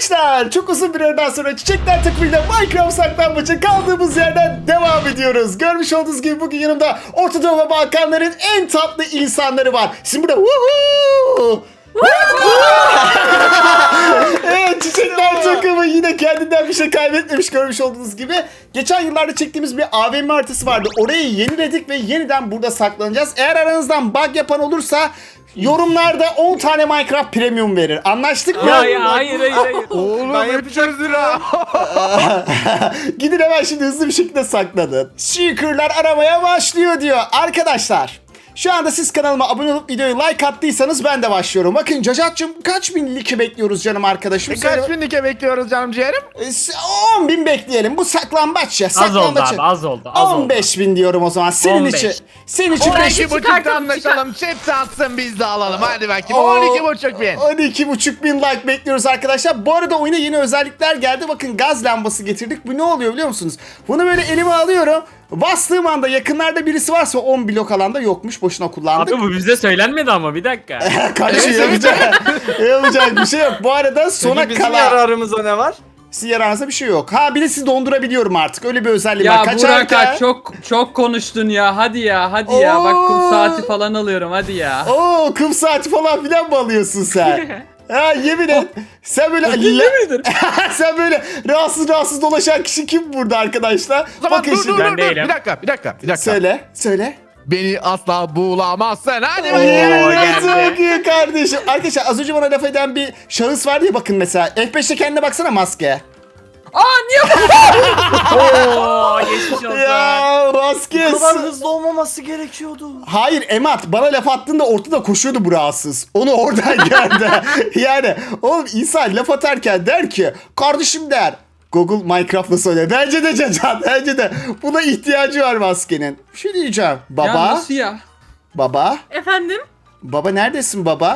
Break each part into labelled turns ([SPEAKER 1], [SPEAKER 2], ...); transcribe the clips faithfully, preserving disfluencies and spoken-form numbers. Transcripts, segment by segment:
[SPEAKER 1] Gençler, çok uzun bir aradan sonra Çiçekler takımıyla Minecraft saklambaçı kaldığımız yerden devam ediyoruz. Görmüş olduğunuz gibi bugün yanımda Orta Doğu ve Balkanların en tatlı insanları var. Şimdi burada woohoo! Evet, Çiçekler takımı yine kendinden bir şey kaybetmemiş, görmüş olduğunuz gibi. Geçen yıllarda çektiğimiz bir A V M haritası vardı. Orayı yeniledik ve yeniden burada saklanacağız. Eğer aranızdan bug yapan olursa yorumlarda on tane Minecraft Premium verir. Anlaştık mı?
[SPEAKER 2] Hayır hayır hayır. hayır.
[SPEAKER 3] Oğlum
[SPEAKER 2] Ben
[SPEAKER 3] hep yüz lira.
[SPEAKER 1] Gidin hemen şimdi hızlı bir şekilde saklanın. Seeker'lar aramaya başlıyor diyor. Arkadaşlar, şu anda siz kanalıma abone olup videoyu like attıysanız ben de başlıyorum. Bakın Cacat'cığım, kaç bin like bekliyoruz canım arkadaşım?
[SPEAKER 3] E, kaç bin like bekliyoruz canım ciğerim?
[SPEAKER 1] on bin bekleyelim. Bu saklambaç ya.
[SPEAKER 2] Az oldu
[SPEAKER 1] Saklambaç.
[SPEAKER 2] abi az oldu. Az
[SPEAKER 1] on beş bin diyorum o zaman. Senin
[SPEAKER 2] on beş.
[SPEAKER 1] için. Senin için
[SPEAKER 3] on
[SPEAKER 1] beş
[SPEAKER 3] iki buçukta anlaşalım. Chat atsın biz de alalım. Hadi bakayım. on iki buçuk bin.
[SPEAKER 1] on iki buçuk bin like bekliyoruz arkadaşlar. Bu arada oyuna yeni özellikler geldi. Bakın, gaz lambası getirdik. Bu ne oluyor biliyor musunuz? Bunu böyle elime alıyorum. Bastığım anda yakınlarda birisi varsa on blok alanda yokmuş. Boşuna kullandık.
[SPEAKER 2] Abi bu bize söylenmedi ama bir dakika.
[SPEAKER 1] Kardeşim yapacak, yapacak bir şey yok. Bu arada sona
[SPEAKER 4] Peki bizim
[SPEAKER 1] kala...
[SPEAKER 4] yararımıza ne var?
[SPEAKER 1] Sizin yararınızda bir şey yok. Ha, bir de sizi dondurabiliyorum artık. Öyle bir özelliğim
[SPEAKER 5] Ya
[SPEAKER 1] var. Kaç
[SPEAKER 5] Burak
[SPEAKER 1] harika?
[SPEAKER 5] çok çok konuştun ya. Hadi ya, hadi ya. Bak
[SPEAKER 1] Oo.
[SPEAKER 5] kum saati falan alıyorum. Hadi ya.
[SPEAKER 1] Oo, kum saati falan filan mı alıyorsun sen? Ha, yemin et. Sen böyle sen böyle rahatsız rahatsız dolaşan kişi kim burada arkadaşlar?
[SPEAKER 3] O zaman
[SPEAKER 1] Bakın
[SPEAKER 3] dur dur
[SPEAKER 1] şimdi.
[SPEAKER 2] Ben
[SPEAKER 3] dur, dur.
[SPEAKER 2] değilim.
[SPEAKER 3] Bir dakika bir dakika bir dakika.
[SPEAKER 1] Söyle, söyle.
[SPEAKER 3] Beni asla bulamazsın. Hadi
[SPEAKER 1] Oo,
[SPEAKER 3] bakayım.
[SPEAKER 1] çok iyi kardeşim. Arkadaşlar, az önce bana laf eden bir şahıs vardı ya, bakın mesela. F beşte kendine baksana, maske.
[SPEAKER 5] Aa niye?
[SPEAKER 2] Oo geçmiş olsun.
[SPEAKER 1] Ya maske.
[SPEAKER 4] Bu kadar hızlı olmaması gerekiyordu.
[SPEAKER 1] Hayır Emat, bana laf attığında ortada koşuyordu bu rahatsız. Onu oradan gördü. Yani oğlum, insan laf atarken der ki kardeşim der. Google Minecraft nasıl öyle? Bence de Cacan, bence de. Buna ihtiyacı var maskenin. Bir şey diyeceğim. Baba,
[SPEAKER 5] Ya nasıl ya?
[SPEAKER 1] baba,
[SPEAKER 6] Efendim?
[SPEAKER 1] baba neredesin baba?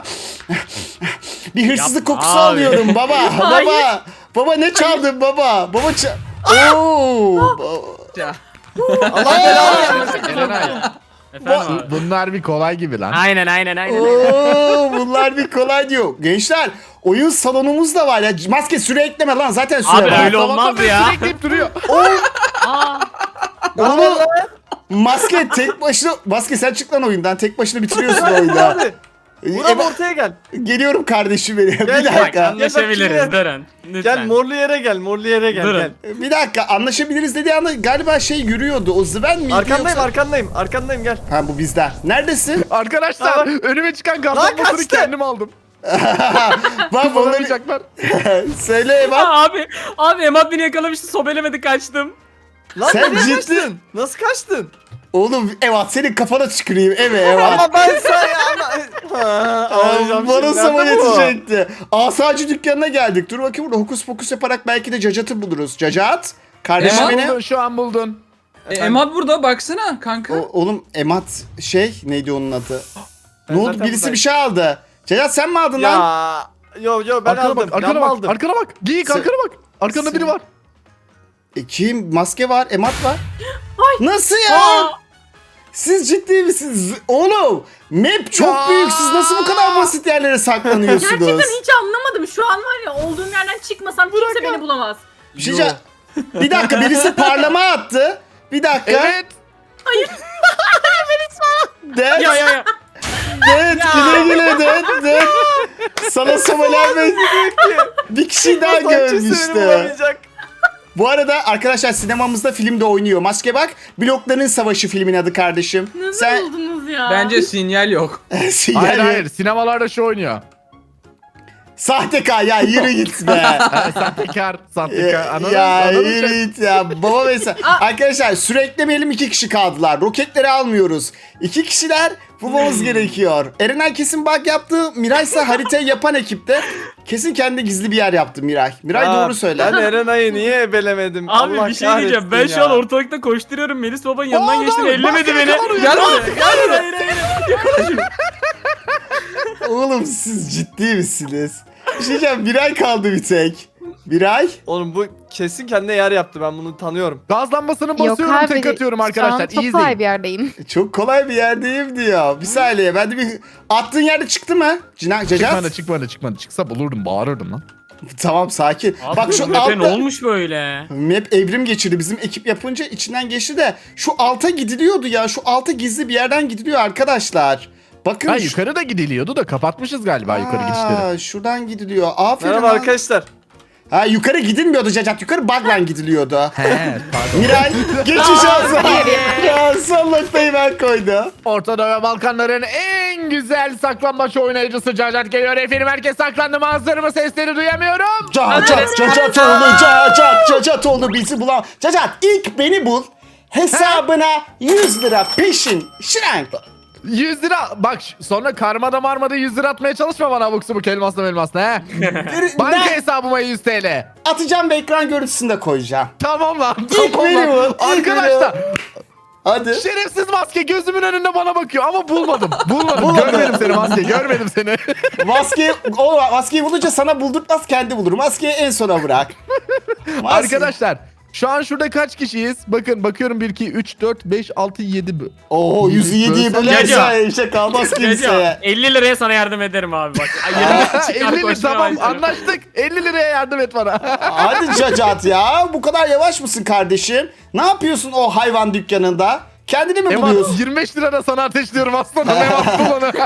[SPEAKER 1] Bir hırsızlık
[SPEAKER 2] Yapma
[SPEAKER 1] kokusu
[SPEAKER 2] abi.
[SPEAKER 1] alıyorum baba.
[SPEAKER 6] Hayır.
[SPEAKER 1] Baba, baba ne çaldın baba? Baba ça... Oo. ba-
[SPEAKER 5] Ya.
[SPEAKER 4] Allah belanı vermesin.
[SPEAKER 3] Erenay,
[SPEAKER 2] Efendim abi.
[SPEAKER 3] bunlar bir kolay gibi lan.
[SPEAKER 2] Aynen aynen aynen.
[SPEAKER 1] Oo, bunlar bir kolay diyor. Gençler, oyun salonumuz da var ya. Maske, süre ekleme lan, zaten süre
[SPEAKER 2] Abi
[SPEAKER 1] var.
[SPEAKER 2] öyle olmaz ya.
[SPEAKER 3] Bekleyip duruyor.
[SPEAKER 2] Aa,
[SPEAKER 1] Onu maske tek başına, maske sen çık lan oyundan. Tek başına bitiriyorsun oyunu.
[SPEAKER 4] Hadi. Burak
[SPEAKER 1] E,
[SPEAKER 4] ortaya gel.
[SPEAKER 1] Geliyorum kardeşim benim. Bir
[SPEAKER 4] Gel,
[SPEAKER 2] bak
[SPEAKER 1] dakika.
[SPEAKER 2] anlaşabiliriz durun. Lütfen.
[SPEAKER 4] Gel morlu yere gel. Morlu yere gel.
[SPEAKER 2] Durun.
[SPEAKER 4] Gel.
[SPEAKER 1] Bir dakika, anlaşabiliriz dediği anda galiba şey yürüyordu. O Zven miydi
[SPEAKER 4] Arkandayım
[SPEAKER 1] yoksa?
[SPEAKER 4] arkandayım. Arkandayım gel.
[SPEAKER 1] Ha, bu bizden. Neredesin?
[SPEAKER 3] Arkadaşlar
[SPEAKER 4] Bak.
[SPEAKER 3] önüme çıkan
[SPEAKER 4] Lan
[SPEAKER 3] kartonları
[SPEAKER 4] kaçtı.
[SPEAKER 3] kendim aldım.
[SPEAKER 1] Bak onları...
[SPEAKER 3] Kullanamayacaklar.
[SPEAKER 1] Söyle bak.
[SPEAKER 2] Aa, abi abi Emad beni yakalamıştı, sobelemedi, kaçtım.
[SPEAKER 4] Lan
[SPEAKER 1] Sen
[SPEAKER 4] nereye
[SPEAKER 1] ciddi-
[SPEAKER 4] kaçtın? Nasıl kaçtın?
[SPEAKER 1] Oğlum Evat, senin kafana tüküreyim. Evet Evat.
[SPEAKER 4] Ama ben sana ya. Ağlayacağım
[SPEAKER 1] Bana
[SPEAKER 4] şimdi.
[SPEAKER 1] sabah
[SPEAKER 4] Nerede bu?
[SPEAKER 1] yetecekti. Asacı dükkanına geldik. Dur bakayım, burada hokus pokus yaparak belki de Cacat'ı buluruz. Cacat. Kardeşim
[SPEAKER 5] Emad
[SPEAKER 1] beni.
[SPEAKER 3] Buldun, şu an buldun.
[SPEAKER 5] E, Emad burada baksana kanka.
[SPEAKER 1] O- oğlum Emat şey neydi onun adı? Ne oldu?
[SPEAKER 4] zaten
[SPEAKER 1] Birisi
[SPEAKER 4] buradayım.
[SPEAKER 1] bir şey aldı. Cacat sen mi aldın lan?
[SPEAKER 4] Ya. Yo yo ben
[SPEAKER 3] Arkana
[SPEAKER 4] aldım.
[SPEAKER 3] bak, arkana
[SPEAKER 4] Ben
[SPEAKER 3] bak,
[SPEAKER 4] aldım.
[SPEAKER 3] arkana bak. Geyik
[SPEAKER 1] Sen-
[SPEAKER 3] arkana bak. Arkanda
[SPEAKER 1] Sen-
[SPEAKER 3] biri var.
[SPEAKER 1] E, kim? Maske var, Emat var. Nasıl ya?
[SPEAKER 2] Aa,
[SPEAKER 1] Siz ciddi misiniz? Oğlum map çok
[SPEAKER 3] Ya.
[SPEAKER 1] büyük. Siz nasıl bu kadar basit yerlere saklanıyorsunuz?
[SPEAKER 6] Gerçekten hiç anlamadım. Şu an var ya, olduğum yerden çıkmasam kimse beni bulamaz.
[SPEAKER 1] Bir şey diyeceğim. Bir dakika, birisi parlama attı. Bir dakika.
[SPEAKER 3] Evet.
[SPEAKER 1] Dead,
[SPEAKER 2] ya ya ya.
[SPEAKER 1] dead, güle güle dead, dead. Sana somelenme. Bir kişi daha
[SPEAKER 4] Sanki seni
[SPEAKER 1] görmüştü.
[SPEAKER 4] bulamayacak.
[SPEAKER 1] Bu arada arkadaşlar, sinemamızda film de oynuyor. Maske bak. Blokların Savaşı filmin adı kardeşim.
[SPEAKER 6] Nasıl
[SPEAKER 1] Sen
[SPEAKER 6] buldunuz ya?
[SPEAKER 5] Bence sinyal yok.
[SPEAKER 3] Hayır hayır sinemalarda şu oynuyor.
[SPEAKER 1] Sahtekar ya, yürü git be.
[SPEAKER 3] Ha, Sahtekar, sahtekar. Anladın mı?
[SPEAKER 1] ya
[SPEAKER 3] Anladın mı?
[SPEAKER 1] yürü git ya. Baba mesela. Arkadaşlar süreklemeyelim, iki kişi kaldılar. Roketleri almıyoruz. İki kişiler bulmamız gerekiyor. Erenay kesin bug yaptı. Miray ise haritayı yapan ekipte. Kesin kendi gizli bir yer yaptı Miray. Miray
[SPEAKER 4] Aa,
[SPEAKER 1] doğru söyle.
[SPEAKER 4] Ben Erenay'ı niye ebelemedim?
[SPEAKER 2] Abi
[SPEAKER 4] Allah
[SPEAKER 2] bir şey diyeceğim. Ben
[SPEAKER 4] kahretsin
[SPEAKER 2] şu an
[SPEAKER 4] ya.
[SPEAKER 2] ortalıkta koşturuyorum. Melis babanın yanından
[SPEAKER 3] Oğlum,
[SPEAKER 2] geçtim. Ellemedi
[SPEAKER 3] maske
[SPEAKER 2] beni.
[SPEAKER 3] yakalanıyor,
[SPEAKER 2] Gel
[SPEAKER 3] maske
[SPEAKER 2] buraya. Gel buraya. Hayır hayır hayır.
[SPEAKER 1] Oğlum siz ciddi misiniz? Bir şey diyeceğim. Miray kaldı bir tek. Miray.
[SPEAKER 4] Oğlum bu kesin kendine yer yaptı. Ben bunu tanıyorum.
[SPEAKER 3] Gaz lambasını
[SPEAKER 7] Yok
[SPEAKER 3] basıyorum,
[SPEAKER 7] abi.
[SPEAKER 3] tek atıyorum
[SPEAKER 7] Şu
[SPEAKER 3] arkadaşlar.
[SPEAKER 7] an çok
[SPEAKER 3] İyi
[SPEAKER 7] kolay
[SPEAKER 3] izleyin.
[SPEAKER 7] bir yerdeyim.
[SPEAKER 1] Çok kolay bir yerdeyim diyor. Bir saniye. Ben de bir... Attığın yerde çıktı mı? Cina, Cacat?
[SPEAKER 3] Çıkmadı çıkmadı çıkmadı. Çıksa bulurdum, bağırırdım lan.
[SPEAKER 1] Tamam sakin.
[SPEAKER 2] Abi
[SPEAKER 1] Bak
[SPEAKER 2] bu
[SPEAKER 1] şu
[SPEAKER 2] map'e ne
[SPEAKER 1] altta
[SPEAKER 2] olmuş böyle?
[SPEAKER 1] map evrim geçirdi. Bizim ekip yapınca içinden geçti de şu alta gidiliyordu ya. Şu alta gizli bir yerden gidiliyor arkadaşlar. Bakın.
[SPEAKER 3] Ha
[SPEAKER 1] şu-
[SPEAKER 3] yukarı da gidiliyordu da kapatmışız galiba yukarı gidişleri.
[SPEAKER 1] Aa, şuradan gidiliyor. Aferin
[SPEAKER 4] Merhaba
[SPEAKER 1] lan.
[SPEAKER 4] arkadaşlar.
[SPEAKER 1] Ha yukarı gidilmiyordu Cacat. Yukarı bug'la gidiliyordu.
[SPEAKER 3] He pardon.
[SPEAKER 1] Miray geçiş olsun. Ya son noktayı ben koydum.
[SPEAKER 3] Orta Doğu ve Balkanların en güzel saklambaç oynayıcısı Cacat geliyor. Efendim herkes saklandı mı? Hazır mı? Sesleri duyamıyorum.
[SPEAKER 1] Cacat, Cacat oldu, Cacat, Cacat oldu bizi bulan. Cacat ilk beni bul. Hesabına yüz lira peşin. Şirenk.
[SPEAKER 3] yüz lira. Bak sonra karmada marmada yüz lira atmaya çalışma bana abuk subuk elmasla elmasla he. Banka
[SPEAKER 1] Ben
[SPEAKER 3] hesabıma yüz TL.
[SPEAKER 1] atacağım ve ekran görüntüsü de koyacağım.
[SPEAKER 3] Tamam lan.
[SPEAKER 1] İlk
[SPEAKER 3] Tamam
[SPEAKER 1] benim o,
[SPEAKER 3] lan.
[SPEAKER 1] ilk
[SPEAKER 3] Arkadaşlar
[SPEAKER 1] Hadi.
[SPEAKER 3] şerefsiz maske gözümün önünde bana bakıyor ama bulmadım. Bulmadım.
[SPEAKER 1] Bulmadın.
[SPEAKER 3] Görmedim seni maske. Görmedim seni.
[SPEAKER 1] Maskeyi, o maskeyi bulunca sana buldurtmaz kendi bulur. Maskeyi en sona bırak. Maske-
[SPEAKER 3] Arkadaşlar şu an şurada kaç kişiyiz? Bakın bakıyorum bir, iki, üç, dört, beş, altı, yedi.
[SPEAKER 1] Oo yüzü yediği
[SPEAKER 3] Bölsen-
[SPEAKER 1] bölerse işe kalmaz
[SPEAKER 2] Recep,
[SPEAKER 1] kimseye.
[SPEAKER 2] elli liraya sana yardım ederim abi bak. Ay, yerimden çıkar,
[SPEAKER 3] elli lira
[SPEAKER 2] koşmaya
[SPEAKER 3] tamam
[SPEAKER 2] başlarım.
[SPEAKER 3] anlaştık. elli liraya yardım et bana.
[SPEAKER 1] Hadi Cacat ya. Bu kadar yavaş mısın kardeşim? Ne yapıyorsun o hayvan dükkanında? Kendini mi
[SPEAKER 3] Emat
[SPEAKER 1] buluyorsun?
[SPEAKER 3] yirmi beş lira da sana ateşliyorum aslanım. Emat bul onu.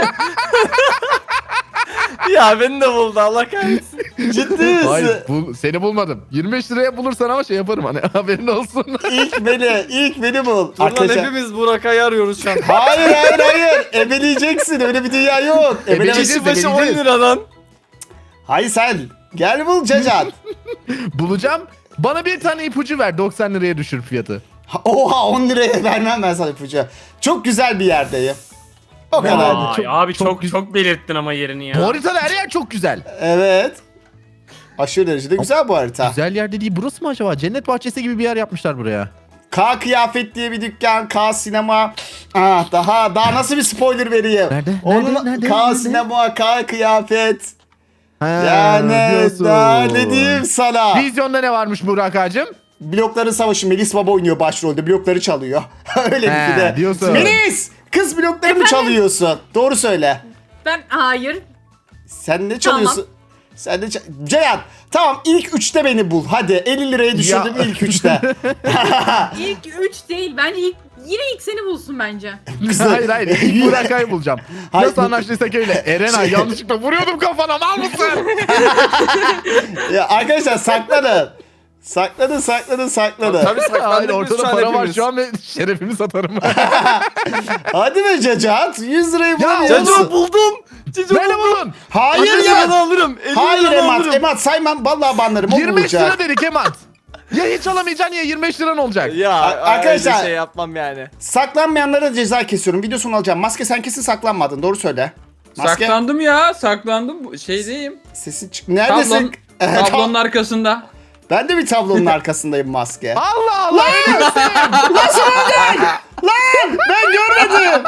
[SPEAKER 4] Ya beni de buldu Allah kahretsin.
[SPEAKER 1] Ciddi misin?
[SPEAKER 3] Hayır bul, seni bulmadım. yirmi beş liraya bulursan ama şey yaparım hani haberin olsun.
[SPEAKER 1] İlk beni, ilk beni bul.
[SPEAKER 4] Dur lan
[SPEAKER 1] Arkadaşlar.
[SPEAKER 4] hepimiz Burak'ı arıyoruz şu an.
[SPEAKER 1] Hayır hayır hayır. Ebeleyeceksin. Öyle bir dünya yok. Ebele...
[SPEAKER 3] Ebeleyeceğiz.
[SPEAKER 4] Kişi başı on
[SPEAKER 3] belirleyeceğiz.
[SPEAKER 4] lira lan.
[SPEAKER 1] Hayır sen. Gel bul Cacat.
[SPEAKER 3] Bulacağım. Bana bir tane ipucu ver doksan liraya düşür fiyatı.
[SPEAKER 1] Ha, Oha on liraya vermem ben sana ipucu. Çok güzel bir yerdeyim. O kadar.
[SPEAKER 2] Vay,
[SPEAKER 3] Çok-
[SPEAKER 2] abi
[SPEAKER 3] çok
[SPEAKER 2] çok
[SPEAKER 3] güz-
[SPEAKER 2] çok, belirttin ama yerini
[SPEAKER 3] Bu
[SPEAKER 2] ya.
[SPEAKER 3] haritada her yer çok güzel.
[SPEAKER 1] Evet. Aşırı derecede güzel bu harita.
[SPEAKER 3] Güzel yer dediği burası mı acaba? Cennet bahçesi gibi bir yer yapmışlar buraya.
[SPEAKER 1] K Kıyafet diye bir dükkan, K Sinema. Ah, daha daha nasıl bir spoiler vereyim?
[SPEAKER 3] Nerede?
[SPEAKER 1] Onun
[SPEAKER 3] Nerede? Nerede?
[SPEAKER 1] K
[SPEAKER 3] Nerede?
[SPEAKER 1] Sinema, K Kıyafet.
[SPEAKER 3] Ha,
[SPEAKER 1] Yani
[SPEAKER 3] diyorsun.
[SPEAKER 1] daha ne diyeyim sana?
[SPEAKER 3] Vizyonda ne varmış Burak ağacım?
[SPEAKER 1] Blokların Savaşı, Melis Baba oynuyor başrolde. Blokları çalıyor. Öyle
[SPEAKER 3] He,
[SPEAKER 1] bir de.
[SPEAKER 3] diyorsun.
[SPEAKER 1] Melis! Kız blokları mı çalıyorsun? Doğru söyle.
[SPEAKER 6] Ben hayır.
[SPEAKER 1] Sen ne çalıyorsun? Sen de Ceyhan, tamam ilk üçte beni bul. Hadi elli liraya düşürdüm
[SPEAKER 3] Ya.
[SPEAKER 1] ilk üçte.
[SPEAKER 6] İlk üç değil. Bence ilk yine ilk seni bulsun bence.
[SPEAKER 3] hayır hayır. İlk Burak ağayı bulacağım.
[SPEAKER 1] Hayır,
[SPEAKER 3] Nasıl
[SPEAKER 1] bu-
[SPEAKER 3] anlaştıysak öyle. Erenay yanlışlıkla vuruyordum kafana mal mısın?
[SPEAKER 1] Ya arkadaşlar saklanın. Saklanın saklanın saklanın.
[SPEAKER 4] Tabii
[SPEAKER 3] hayır
[SPEAKER 4] saklandık biz
[SPEAKER 3] ortada
[SPEAKER 4] şu an
[SPEAKER 3] para var
[SPEAKER 4] hepimiz.
[SPEAKER 3] şu an ve şerefimi satarım.
[SPEAKER 1] Hadi be Cacat. yüz lirayı
[SPEAKER 3] Ya,
[SPEAKER 1] bulamıyorsun.
[SPEAKER 4] Caco buldum. Caco
[SPEAKER 3] Böyle
[SPEAKER 4] buldum.
[SPEAKER 3] bulun.
[SPEAKER 1] Hayır
[SPEAKER 4] elli
[SPEAKER 1] ya.
[SPEAKER 4] liradan alırım. elli
[SPEAKER 1] Hayır
[SPEAKER 4] liradan
[SPEAKER 1] Emat.
[SPEAKER 4] alırım.
[SPEAKER 1] Emat saymam. Vallahi banlarım. O
[SPEAKER 3] yirmi beş lira
[SPEAKER 1] bulacak.
[SPEAKER 3] dedik Emat. Ya hiç alamayacaksın ya yirmi beş liran olacak.
[SPEAKER 4] Ya
[SPEAKER 1] Arkadaşlar-
[SPEAKER 4] arkadaşlar şey yapmam yani.
[SPEAKER 1] Saklanmayanlara ceza kesiyorum. Video sonu alacağım. Maske sen kesin saklanmadın. Doğru söyle. Maske.
[SPEAKER 5] Saklandım ya saklandım. Bu- Şeydeyim.
[SPEAKER 1] Sesin çık. Neredesin?
[SPEAKER 5] Tablon, tablonun arkasında.
[SPEAKER 1] Ben de bir tablonun arkasındayım maske.
[SPEAKER 3] Allah Allah. öyle misin?
[SPEAKER 1] Nasıl oldu? Lan ben görmedim.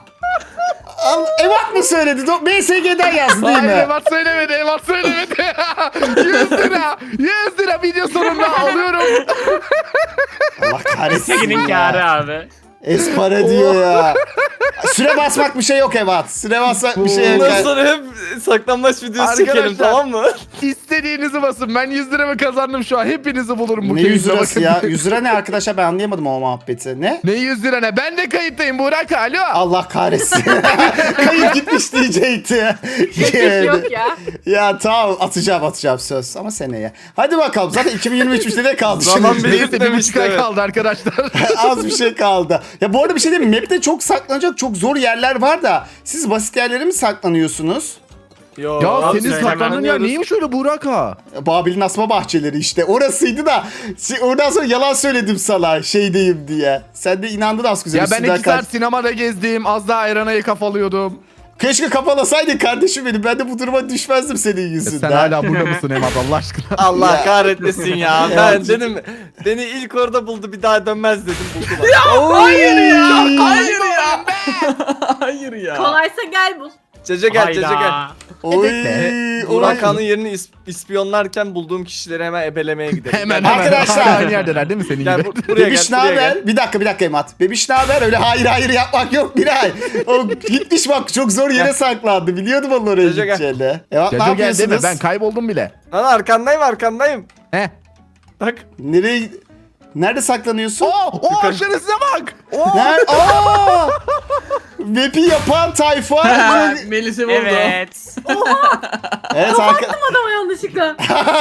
[SPEAKER 1] Al, Evat mı söyledi? Do- B S G'den yazdı değil
[SPEAKER 3] Hayır
[SPEAKER 1] mi?
[SPEAKER 3] Emat söylemedi Emat söylemedi. yüz lira. yüz lira video sonunda alıyorum.
[SPEAKER 1] Allah kahretsin
[SPEAKER 2] Senin
[SPEAKER 1] ya.
[SPEAKER 2] kârı abi.
[SPEAKER 1] Espara diyor ya. Süre basmak bir şey yok Evat. Süre basmak bir şey yok.
[SPEAKER 4] Bundan sonra hep saklanmaç videosu çekelim
[SPEAKER 3] Arkadaşlar.
[SPEAKER 4] tamam mı?
[SPEAKER 3] İstediğinizi basın. Ben yüz liramı kazandım şu an. Hepinizi bulurum bu
[SPEAKER 1] Ne yüz
[SPEAKER 3] keyifle
[SPEAKER 1] lirası
[SPEAKER 3] bakın.
[SPEAKER 1] ya? yüz lira ne arkadaşlar ben anlayamadım o muhabbeti. Ne?
[SPEAKER 3] Ne yüz lira ne? Ben de kayıttayım Burak. Alo.
[SPEAKER 1] Allah kahretsin. Kayıp gitmiş diyecekti.
[SPEAKER 6] Hiç yok ya.
[SPEAKER 1] Ya tamam atacağım atacağım söz ama seneye. Hadi bakalım zaten iki bin yirmi üç ne kaldı
[SPEAKER 4] Zaman
[SPEAKER 1] şimdi?
[SPEAKER 4] bir-
[SPEAKER 3] Neyse bir
[SPEAKER 4] Demişti,
[SPEAKER 3] buçuk ay
[SPEAKER 4] evet.
[SPEAKER 3] kaldı arkadaşlar.
[SPEAKER 1] Az bir şey kaldı. Ya bu arada bir şey diyeyim mi? Map'te çok saklanacak çok zor yerler var da siz basit yerlere mi saklanıyorsunuz?
[SPEAKER 4] Yo,
[SPEAKER 3] ya
[SPEAKER 2] abi
[SPEAKER 3] senin
[SPEAKER 2] sen
[SPEAKER 3] saklandığın yer
[SPEAKER 4] hemen
[SPEAKER 3] neymiş öyle Burak ha?
[SPEAKER 1] Babil'in asma bahçeleri işte. Orasıydı da si- oradan sonra yalan söyledim sana şeydeyim diye. Sen de inandın az güzel.
[SPEAKER 3] Ya ben
[SPEAKER 1] üstünden
[SPEAKER 3] iki saat
[SPEAKER 1] kaç-
[SPEAKER 3] sinemada gezdim. Az daha Erena'yı kafalıyordum.
[SPEAKER 1] Keşke kafalasaydın kardeşim benim. Ben de bu duruma düşmezdim senin yüzünden.
[SPEAKER 3] Sen hala burada mısın Emat Allah aşkına?
[SPEAKER 4] Allah
[SPEAKER 1] Ya.
[SPEAKER 4] kahretmesin ya.
[SPEAKER 1] Ya.
[SPEAKER 4] Ben dedim beni ilk orada buldu bir daha dönmez dedim buldular.
[SPEAKER 1] Hayır ya.
[SPEAKER 5] Hayır ya. Hayır ya.
[SPEAKER 6] Kolaysa gel bul.
[SPEAKER 4] Cece gel Cece gel.
[SPEAKER 2] Hayda.
[SPEAKER 1] Oy,
[SPEAKER 3] Evet
[SPEAKER 1] oy.
[SPEAKER 4] Burakhan'ın yerini is- ispiyonlarken bulduğum kişileri hemen ebelemeye gidelim.
[SPEAKER 3] Hemen
[SPEAKER 4] Gel.
[SPEAKER 3] hemen.
[SPEAKER 1] Arkadaşlar.
[SPEAKER 3] Aynı yerdeler değil mi senin
[SPEAKER 4] Gel
[SPEAKER 3] gibi?
[SPEAKER 4] bu- buraya
[SPEAKER 1] Bebiş
[SPEAKER 4] gel
[SPEAKER 1] ne
[SPEAKER 4] buraya gel.
[SPEAKER 1] haber? Bir dakika bir dakika Emat. Bebiş ne haber? Öyle hayır hayır yapmak yok Miray. O gitmiş bak çok zor yere saklandı. Biliyordum onun oraya
[SPEAKER 4] Cece gel.
[SPEAKER 1] gideceğini. Emat ne
[SPEAKER 3] Caco gel deme
[SPEAKER 1] yapıyorsunuz?
[SPEAKER 3] ben kayboldum bile.
[SPEAKER 4] Lan arkandayım arkandayım.
[SPEAKER 3] He.
[SPEAKER 4] Bak.
[SPEAKER 1] Nereye... Nerede saklanıyorsun?
[SPEAKER 3] Oo, o aşırısına bak. Oo.
[SPEAKER 1] Nerede? Aa! Map'i yapan tayfa.
[SPEAKER 5] Melis'i buldu.
[SPEAKER 2] Evet.
[SPEAKER 1] evet arka...
[SPEAKER 6] Adama yanlışlıkla.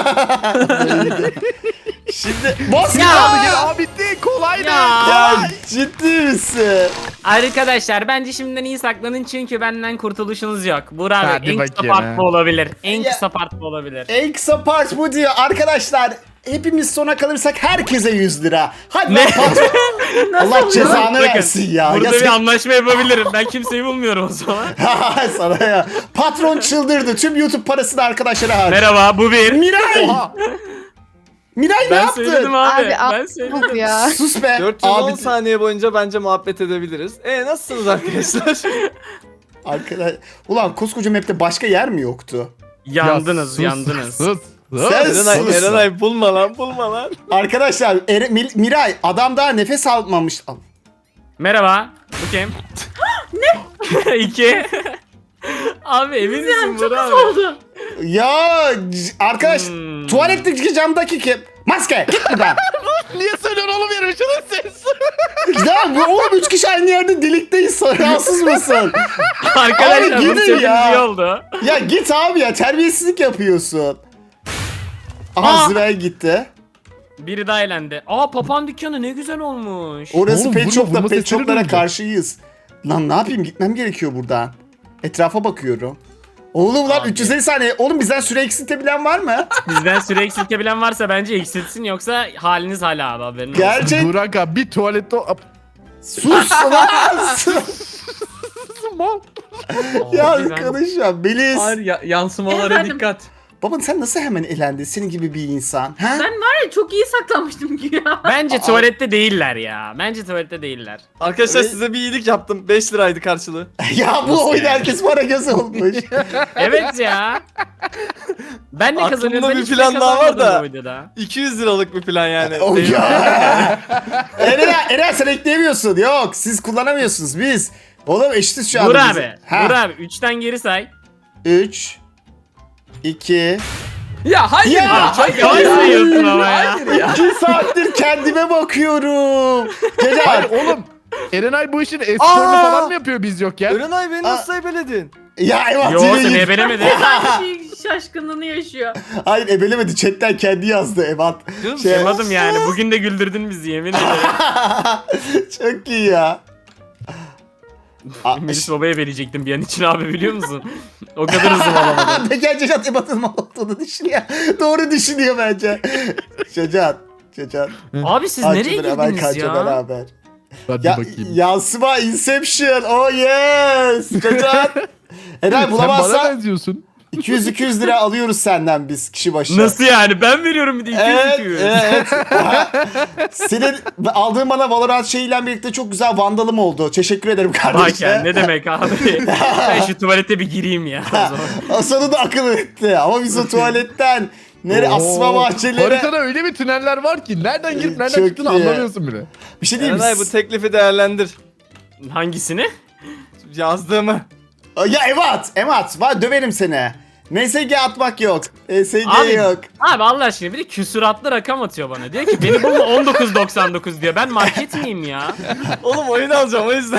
[SPEAKER 1] Şimdi boss
[SPEAKER 2] Ya.
[SPEAKER 1] ya.
[SPEAKER 3] Ya, Aa, bitti kolaydı.
[SPEAKER 2] Ya.
[SPEAKER 1] Ya ciddi misin?
[SPEAKER 2] Arkadaşlar bence şimdiden iyi saklanın çünkü benden kurtuluşunuz yok. Burak
[SPEAKER 3] Hadi
[SPEAKER 2] abi en kısa
[SPEAKER 3] bakayım
[SPEAKER 2] part
[SPEAKER 3] ha.
[SPEAKER 2] bu olabilir. En
[SPEAKER 1] Ya.
[SPEAKER 2] kısa part bu olabilir.
[SPEAKER 1] En kısa part bu diyor. Arkadaşlar hepimiz sona kalırsak herkese yüz lira. Hadi
[SPEAKER 2] Ne?
[SPEAKER 1] lan patron. Allah cezanı
[SPEAKER 2] Bakın,
[SPEAKER 1] versin ya.
[SPEAKER 2] Burada
[SPEAKER 1] ya
[SPEAKER 2] bir
[SPEAKER 1] sen-
[SPEAKER 2] anlaşma yapabilirim. Ben kimseyi bulmuyorum o zaman.
[SPEAKER 1] Sana ya. Patron çıldırdı. Tüm YouTube parasını arkadaşlara harcadı.
[SPEAKER 2] Merhaba bu bir.
[SPEAKER 1] Miray!
[SPEAKER 3] Oha.
[SPEAKER 1] Miray ne
[SPEAKER 2] Ben
[SPEAKER 1] yaptın?
[SPEAKER 2] söyledim abi.
[SPEAKER 7] Abi,
[SPEAKER 2] ben
[SPEAKER 7] al-
[SPEAKER 2] söyledim.
[SPEAKER 7] ya.
[SPEAKER 1] Sus be.
[SPEAKER 4] dört yüz on
[SPEAKER 1] Abi,
[SPEAKER 4] saniye boyunca bence muhabbet edebiliriz. E nasılsınız arkadaşlar?
[SPEAKER 1] arkadaş... Ulan koskoca map'te başka yer mi yoktu?
[SPEAKER 2] Yandınız
[SPEAKER 3] Ya, sus,
[SPEAKER 2] yandınız.
[SPEAKER 3] Sus. sus.
[SPEAKER 1] Sen-
[SPEAKER 4] Erenay,
[SPEAKER 1] sus.
[SPEAKER 4] Erenay bulma lan bulma lan.
[SPEAKER 1] Arkadaşlar Ere- Mil- Miray adam daha nefes almamış. Al.
[SPEAKER 2] Merhaba. Bu kim? ne? İki. Abi emin misin
[SPEAKER 6] Yani çok
[SPEAKER 2] Burak
[SPEAKER 6] kısa
[SPEAKER 2] abi?
[SPEAKER 6] oldu.
[SPEAKER 1] Ya c- arkadaş
[SPEAKER 2] Hmm.
[SPEAKER 1] tuvaletteki camdaki kim? Maske git buradan.
[SPEAKER 3] Niye söylüyorsun oğlum yarım şunu ses?
[SPEAKER 1] Ya bu oğlum üç kişi aynı yerde delikteyiz. Rahatsız mısın?
[SPEAKER 2] Arkadaşlar
[SPEAKER 1] Abi
[SPEAKER 2] bunu
[SPEAKER 1] gidin
[SPEAKER 2] söylediğiniz
[SPEAKER 1] ya.
[SPEAKER 2] iyi oldu.
[SPEAKER 1] Ya git abi ya terbiyesizlik yapıyorsun. Aha
[SPEAKER 2] Aa.
[SPEAKER 1] Zübeyir gitti.
[SPEAKER 2] Biri daha elendi. Aa papağan dükkanı ne güzel olmuş.
[SPEAKER 1] Orası
[SPEAKER 3] Oğlum,
[SPEAKER 1] pet
[SPEAKER 3] vurma,
[SPEAKER 1] shop'ta
[SPEAKER 3] vurma
[SPEAKER 1] pet
[SPEAKER 3] sesleri
[SPEAKER 1] shop'lara
[SPEAKER 3] duyunca.
[SPEAKER 1] karşıyız. Lan ne yapayım gitmem gerekiyor buradan. Etrafa bakıyorum. Oğlum lan
[SPEAKER 2] Abi.
[SPEAKER 1] üç yüz elli saniye. Oğlum bizden süre eksiltebilen var mı?
[SPEAKER 2] Bizden süre eksiltebilen varsa bence eksiltsin yoksa haliniz hala abi haberin olsun.
[SPEAKER 1] Gerçek.
[SPEAKER 3] Burak abi bir tuvalette... Ap-
[SPEAKER 1] Sus lan. Sus.
[SPEAKER 3] Mal.
[SPEAKER 1] ya
[SPEAKER 2] Abi ben-
[SPEAKER 1] arkadaşım Melis.
[SPEAKER 5] Hayır ya, yansımalara
[SPEAKER 6] Efendim?
[SPEAKER 5] dikkat.
[SPEAKER 1] Baban sen nasıl hemen elendin? Senin gibi bir insan. Ha?
[SPEAKER 6] Ben var ya çok iyi saklanmıştım ki ya.
[SPEAKER 2] Bence tuvalette değiller ya. Bence tuvalette değiller.
[SPEAKER 4] Arkadaşlar
[SPEAKER 1] Evet.
[SPEAKER 4] size bir iyilik yaptım. beş liraydı karşılığı.
[SPEAKER 1] ya bu
[SPEAKER 2] Nasıl
[SPEAKER 1] oyun
[SPEAKER 2] yani?
[SPEAKER 1] herkes para gözü olmuş.
[SPEAKER 2] Evet ya. Ben ne
[SPEAKER 4] Aklımda
[SPEAKER 2] kazanıyorum? Ben
[SPEAKER 4] bir
[SPEAKER 2] hiçbir
[SPEAKER 4] plan
[SPEAKER 2] şey
[SPEAKER 4] daha var
[SPEAKER 2] kazanmadım
[SPEAKER 4] da.
[SPEAKER 2] bu videoda.
[SPEAKER 4] iki yüz liralık bir plan yani.
[SPEAKER 1] o
[SPEAKER 4] Değil mi?
[SPEAKER 1] ya. Eren, Eren sen ekleyemiyorsun. Yok siz kullanamıyorsunuz biz. Oğlum eşitiz şu anda.
[SPEAKER 2] Burak
[SPEAKER 1] biz.
[SPEAKER 2] abi.
[SPEAKER 1] Ha.
[SPEAKER 2] Burak abi. Üçten geri say.
[SPEAKER 1] üç iki
[SPEAKER 5] Ya hayır
[SPEAKER 1] Ya,
[SPEAKER 5] ya.
[SPEAKER 2] Çok yavaş sayıyorsun ama ya.
[SPEAKER 5] Hayır ya.
[SPEAKER 1] iki saattir kendime bakıyorum.
[SPEAKER 3] Hayır
[SPEAKER 1] Celal.
[SPEAKER 3] oğlum. Erenay bu işin esporunu
[SPEAKER 4] Aa!
[SPEAKER 3] falan mı yapıyor biz yokken?
[SPEAKER 4] Erenay beni nasıl ebeledin?
[SPEAKER 1] Ya evet.
[SPEAKER 2] Yo
[SPEAKER 1] yine
[SPEAKER 2] sen
[SPEAKER 1] git.
[SPEAKER 2] ebelemedin.
[SPEAKER 6] Her şey şaşkınlığını yaşıyor.
[SPEAKER 1] Hayır ebelemedi. Chatten kendi yazdı Evat.
[SPEAKER 4] Canım,
[SPEAKER 1] Şey-
[SPEAKER 2] Yapmadım yani. Bugün de güldürdün bizi yemin ederim.
[SPEAKER 1] Çok iyi ya. Aa,
[SPEAKER 2] Melis babaya verecektim bir an için abi biliyor musun? O kadar hızlı alamadım.
[SPEAKER 1] Ne gerçek Cacat Ebat'ın mal olduğunu düşünüyor. Doğru düşünüyor bence. Cacat. Cacat.
[SPEAKER 2] Abi siz
[SPEAKER 1] Aç
[SPEAKER 2] nereye
[SPEAKER 1] beraber,
[SPEAKER 2] girdiniz
[SPEAKER 1] kaça
[SPEAKER 2] ya?
[SPEAKER 1] beraber.
[SPEAKER 3] Hadi
[SPEAKER 1] Ya,
[SPEAKER 3] bakayım.
[SPEAKER 1] yansıma Inception. Oh yes. Cacat. Eray
[SPEAKER 3] Sen bana
[SPEAKER 1] bulamazsan
[SPEAKER 3] benziyorsun.
[SPEAKER 1] iki yüz iki yüz lira alıyoruz senden biz kişi başı.
[SPEAKER 2] Nasıl yani? Ben veriyorum bir de iki yüz
[SPEAKER 1] Evet,
[SPEAKER 2] iki yüz.
[SPEAKER 1] evet. Aha. Senin aldığın bana Valorant şeyiyle birlikte çok güzel vandalım oldu. Teşekkür ederim
[SPEAKER 2] Bak
[SPEAKER 1] kardeşim.
[SPEAKER 2] ya ne demek abi. Ben şu tuvalete bir gireyim ya. o zaman.
[SPEAKER 1] O sonu da akıl etti. Ama biz o tuvaletten nere asma
[SPEAKER 3] Oo,
[SPEAKER 1] bahçelere
[SPEAKER 3] Haritada öyle bir tüneller var ki nereden girip nereden
[SPEAKER 1] Çok
[SPEAKER 3] çıktığını
[SPEAKER 1] iyi.
[SPEAKER 3] anlamıyorsun bile.
[SPEAKER 1] bir şey diyeyim mi?
[SPEAKER 4] Erenay bu teklifi değerlendir.
[SPEAKER 2] Hangisini?
[SPEAKER 4] Yazdığımı.
[SPEAKER 1] Ya Evat, Evat, var döverim seni. M S G atmak yok. M S G
[SPEAKER 2] Abi,
[SPEAKER 1] yok.
[SPEAKER 2] abi Allah aşkına bir de küsuratlı rakam atıyor bana. Diyor ki beni bulma on dokuz doksan dokuz diyor. Ben market miyim ya?
[SPEAKER 4] Oğlum oyun alacağım o yüzden.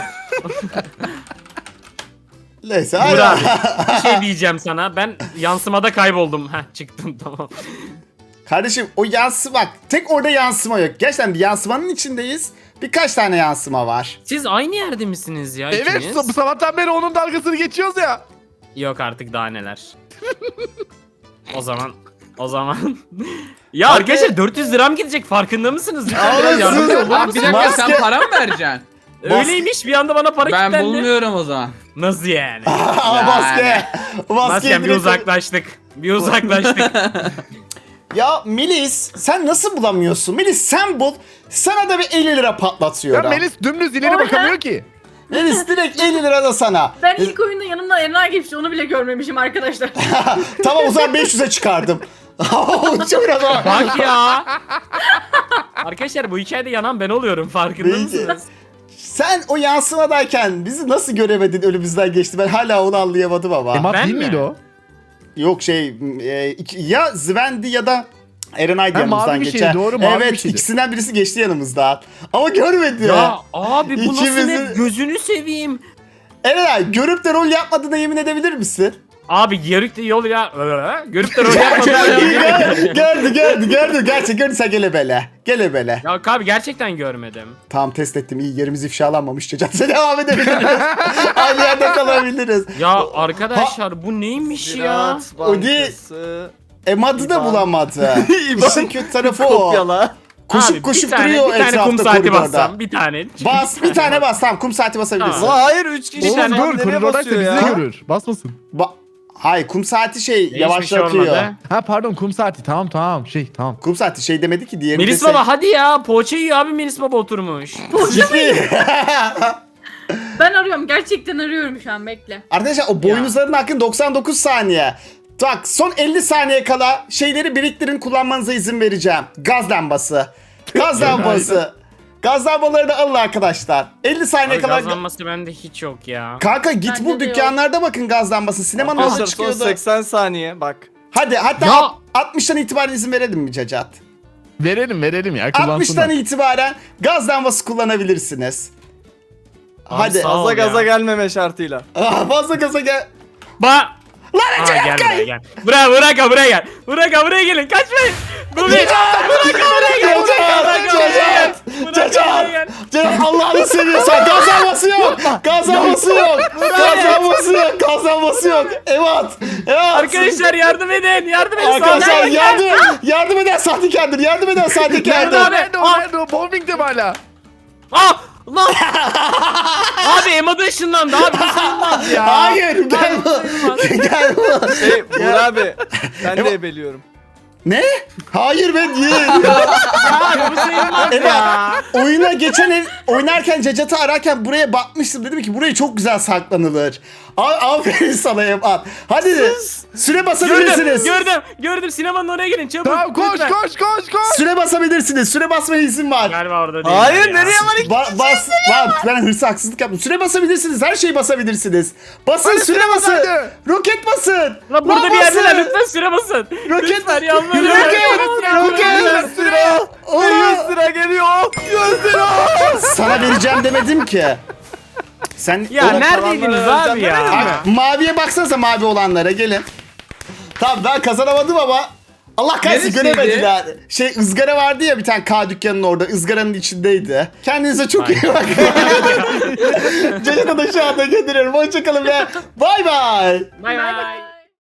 [SPEAKER 1] Neyse
[SPEAKER 2] Burak
[SPEAKER 1] hadi.
[SPEAKER 2] abi bir şey diyeceğim sana. Ben yansımada kayboldum. Heh çıktım tamam.
[SPEAKER 1] Kardeşim o yansıma bak tek orada yansıma yok. Gerçekten bir yansımanın içindeyiz. Birkaç tane yansıma var.
[SPEAKER 2] Siz aynı yerde misiniz ya
[SPEAKER 3] Evet
[SPEAKER 2] ikiniz?
[SPEAKER 3] bu sabahtan beri onun dalgasını geçiyoruz ya.
[SPEAKER 2] Yok artık daha neler. O zaman o zaman ya
[SPEAKER 1] Abi-
[SPEAKER 2] arkadaşlar dört yüz liram gidecek farkında mısınız? Lütfen
[SPEAKER 1] Abi,
[SPEAKER 2] biraz yardımcı
[SPEAKER 1] siz-
[SPEAKER 2] olun.
[SPEAKER 5] Abi bir dakika
[SPEAKER 1] Maske-
[SPEAKER 5] sen para mı vereceksin?
[SPEAKER 2] Öyleymiş bir anda bana para
[SPEAKER 5] Ben
[SPEAKER 2] kilitlendi.
[SPEAKER 5] bulmuyorum o zaman.
[SPEAKER 2] Nasıl yani?
[SPEAKER 1] Aa maske. Maske
[SPEAKER 2] Maskem bir
[SPEAKER 1] direkt-
[SPEAKER 2] uzaklaştık. Bir uzaklaştık.
[SPEAKER 1] Ya Melis sen nasıl bulamıyorsun? Melis sen bul. Sana da bir elli lira
[SPEAKER 3] Ya
[SPEAKER 1] patlatıyorum.
[SPEAKER 3] Melis dümdüz ileri
[SPEAKER 6] O ne?
[SPEAKER 3] bakamıyor ki.
[SPEAKER 1] Melis direkt elli lira da sana.
[SPEAKER 6] Ben ilk oyunda yanımda Erenay geçti onu bile görmemişim arkadaşlar.
[SPEAKER 1] Tamam o zaman beş yüze çıkardım. Çok biraz ama.
[SPEAKER 2] Bak ya. Arkadaşlar bu hikayede yanan ben oluyorum farkında
[SPEAKER 1] Peki.
[SPEAKER 2] mısınız?
[SPEAKER 1] Sen o yansımadayken bizi nasıl göremedin önümüzden geçti? Ben hala onu anlayamadım ama.
[SPEAKER 3] Emat
[SPEAKER 2] Ben
[SPEAKER 3] değil
[SPEAKER 2] mi?
[SPEAKER 3] miydi o?
[SPEAKER 1] Yok şey e, iki- ya Zvendi ya da Erenay
[SPEAKER 3] Ha,
[SPEAKER 1] yanımızdan
[SPEAKER 3] mavi bir şeydi,
[SPEAKER 1] geçer.
[SPEAKER 3] doğru, mavi
[SPEAKER 1] evet
[SPEAKER 3] bir şeydi.
[SPEAKER 1] ikisinden birisi geçti yanımızdan. Ama görmedi.
[SPEAKER 2] Ya abi bu nasıl
[SPEAKER 1] İkimizin-
[SPEAKER 2] ne? Gözünü seveyim.
[SPEAKER 1] Erenay görüp de rol yapmadığına yemin edebilir misin?
[SPEAKER 2] Abi yarık da yol ya. Görüp de rol yapmadım.
[SPEAKER 1] gördü, gördü, gördü, gördü. Gerçek gördüysen gele bele. Gele bele.
[SPEAKER 2] Ya abi gerçekten görmedim.
[SPEAKER 1] Tamam test ettim. İyi yerimiz ifşalanmamış. Cacat'a devam edebiliriz. Aynı yerde kalabiliriz.
[SPEAKER 2] Ya arkadaşlar bu neymiş ya?
[SPEAKER 4] Ziraat
[SPEAKER 1] O değil.
[SPEAKER 4] Bankası.
[SPEAKER 1] Emad'ı da
[SPEAKER 4] İban.
[SPEAKER 1] bulamadı.
[SPEAKER 4] İban.
[SPEAKER 1] İşin kötü tarafı o.
[SPEAKER 4] Kopyala.
[SPEAKER 1] Koşup
[SPEAKER 2] Abi,
[SPEAKER 1] koşup
[SPEAKER 2] bir tane,
[SPEAKER 1] duruyor
[SPEAKER 2] bir tane kum
[SPEAKER 1] etrafta
[SPEAKER 2] saati
[SPEAKER 1] koridorda.
[SPEAKER 2] bassam bir tane.
[SPEAKER 1] Bas bir tane bas tamam kum saati basabilirsin.
[SPEAKER 2] Tamam.
[SPEAKER 4] Ulan hayır üç kişi.
[SPEAKER 3] Oğlum
[SPEAKER 2] tane-
[SPEAKER 3] dur
[SPEAKER 4] Nereye
[SPEAKER 3] koridordaysa
[SPEAKER 4] basıyor
[SPEAKER 3] bizi de
[SPEAKER 4] ya?
[SPEAKER 3] görür. Basmasın.
[SPEAKER 1] Ba- Hayır kum saati şey
[SPEAKER 2] Hiçbir şey
[SPEAKER 1] yavaşlatıyor.
[SPEAKER 2] olmadı.
[SPEAKER 3] Ha pardon kum saati tamam tamam şey tamam.
[SPEAKER 1] Kum saati şey demedi ki diğerinde.
[SPEAKER 2] Melis baba hadi ya poğaça yiyor abi Melis baba oturmuş.
[SPEAKER 1] Ciddi.
[SPEAKER 6] Ben arıyorum gerçekten arıyorum şu an bekle.
[SPEAKER 1] Arkadaşlar o boynuzların hakkı doksan dokuz saniye. Bak son elli saniye kala şeyleri biriktirin kullanmanıza izin vereceğim. Gaz lambası. Gaz lambası. Gaz lambalarını alın arkadaşlar. elli saniye
[SPEAKER 2] Abi
[SPEAKER 1] kala.
[SPEAKER 2] gazlanması bende hiç yok ya.
[SPEAKER 1] Kanka git
[SPEAKER 6] Bende
[SPEAKER 1] bul
[SPEAKER 6] de yok.
[SPEAKER 1] dükkanlarda bakın gaz lambası. Sinemanın nasıl
[SPEAKER 4] Arkadaşlar son
[SPEAKER 1] çıkıyordu?
[SPEAKER 4] seksen saniye bak.
[SPEAKER 1] Hadi hatta
[SPEAKER 2] Ya.
[SPEAKER 1] alt- altmıştan itibaren izin verelim mi Cacat?
[SPEAKER 3] Verelim verelim ya
[SPEAKER 1] altmıştan
[SPEAKER 3] kullansınlar.
[SPEAKER 1] itibaren gaz lambası kullanabilirsiniz.
[SPEAKER 2] Abi
[SPEAKER 1] Hadi.
[SPEAKER 2] sağ ol
[SPEAKER 4] Fazla
[SPEAKER 2] ya.
[SPEAKER 4] gaza gelmeme şartıyla.
[SPEAKER 1] Ah, fazla gaza gel.
[SPEAKER 2] Ba
[SPEAKER 1] Lan
[SPEAKER 2] Aa,
[SPEAKER 1] Ece
[SPEAKER 2] gel
[SPEAKER 1] yapma.
[SPEAKER 2] buraya gel. Buraya Burak'a buraya gel. Burak'a buraya gelin. Kaçmayın. Bu bir. Burak'a buraya gel. Burak'a buraya gel. Burak'a buraya gel.
[SPEAKER 1] Cacat Allah'ını seviyorsan gaz lambası yok. Gaz lambası yok. Gaz lambası yok. Gaz lambası yok. Evet. Evet.
[SPEAKER 2] Arkadaşlar yardım edin. Yardım edin.
[SPEAKER 1] Arkadaşlar
[SPEAKER 2] Sağdan gel.
[SPEAKER 1] yardım, yardım eden sahtekardır. Yardım eden
[SPEAKER 2] Nerede
[SPEAKER 1] sahtekardır.
[SPEAKER 2] abi?
[SPEAKER 3] Nerede o nerede o bowling'de mi hala?
[SPEAKER 2] Ah! Lan! Abi Emma da ışınlandı abi. Bu sayılmaz ya.
[SPEAKER 1] Hayır gel bu. Gel bu.
[SPEAKER 4] Şey Buğra abi ben de ebeliyorum.
[SPEAKER 1] Ne? Hayır ben değil.
[SPEAKER 2] Abi bu sayılmaz
[SPEAKER 1] Evet.
[SPEAKER 2] ya.
[SPEAKER 1] Oyuna geçen el oynarken Cacat'ı ararken buraya bakmıştım. Dedim ki buraya çok güzel saklanılır. A- Aferin sana Emat. Hadi süre
[SPEAKER 2] Gördüm,
[SPEAKER 1] basabilirsiniz.
[SPEAKER 2] gördüm, gördüm. Sinemanın oraya gidin çabuk.
[SPEAKER 3] Tamam koş
[SPEAKER 2] lütfen.
[SPEAKER 3] koş koş koş.
[SPEAKER 1] Süre basabilirsiniz. Süre basmaya izin var.
[SPEAKER 2] Galiba orada değil.
[SPEAKER 4] Hayır
[SPEAKER 2] ya.
[SPEAKER 4] nereye var iki
[SPEAKER 1] Ba- bas, bas, ben hırsı haksızlık yaptım. Süre basabilirsiniz. Her şeyi basabilirsiniz. Basın
[SPEAKER 3] Hadi
[SPEAKER 1] süre
[SPEAKER 3] süre bas
[SPEAKER 1] basın.
[SPEAKER 3] hadi.
[SPEAKER 1] Roket basın.
[SPEAKER 2] Lan burada
[SPEAKER 1] Lan
[SPEAKER 2] bir yerdeler
[SPEAKER 1] basın.
[SPEAKER 2] lütfen süre basın.
[SPEAKER 1] Roket
[SPEAKER 2] Lütfen yalvarırım.
[SPEAKER 1] Roket. Roket.
[SPEAKER 4] Sıra.
[SPEAKER 1] Oğlum.
[SPEAKER 4] yüz lira geliyor. yüz lira.
[SPEAKER 1] Sana vereceğim demedim ki. Sen
[SPEAKER 2] Ya
[SPEAKER 1] Oğlum,
[SPEAKER 2] neredeydiniz
[SPEAKER 4] kalanları
[SPEAKER 2] abi ya?
[SPEAKER 4] öğreneceğim,
[SPEAKER 1] Bak, maviye baksanıza mavi olanlara gelin. Tamam ben kazanamadım ama Allah kahretsin
[SPEAKER 5] Neresiydi?
[SPEAKER 1] göremediler. Şey ızgara vardı ya bir tane K dükkanının orada ızgaranın içindeydi. Kendinize çok iyi bakın. Ceyhan'a da şu anda gönderiyorum. Hoşçakalın ve bay bay.
[SPEAKER 2] Bay bay.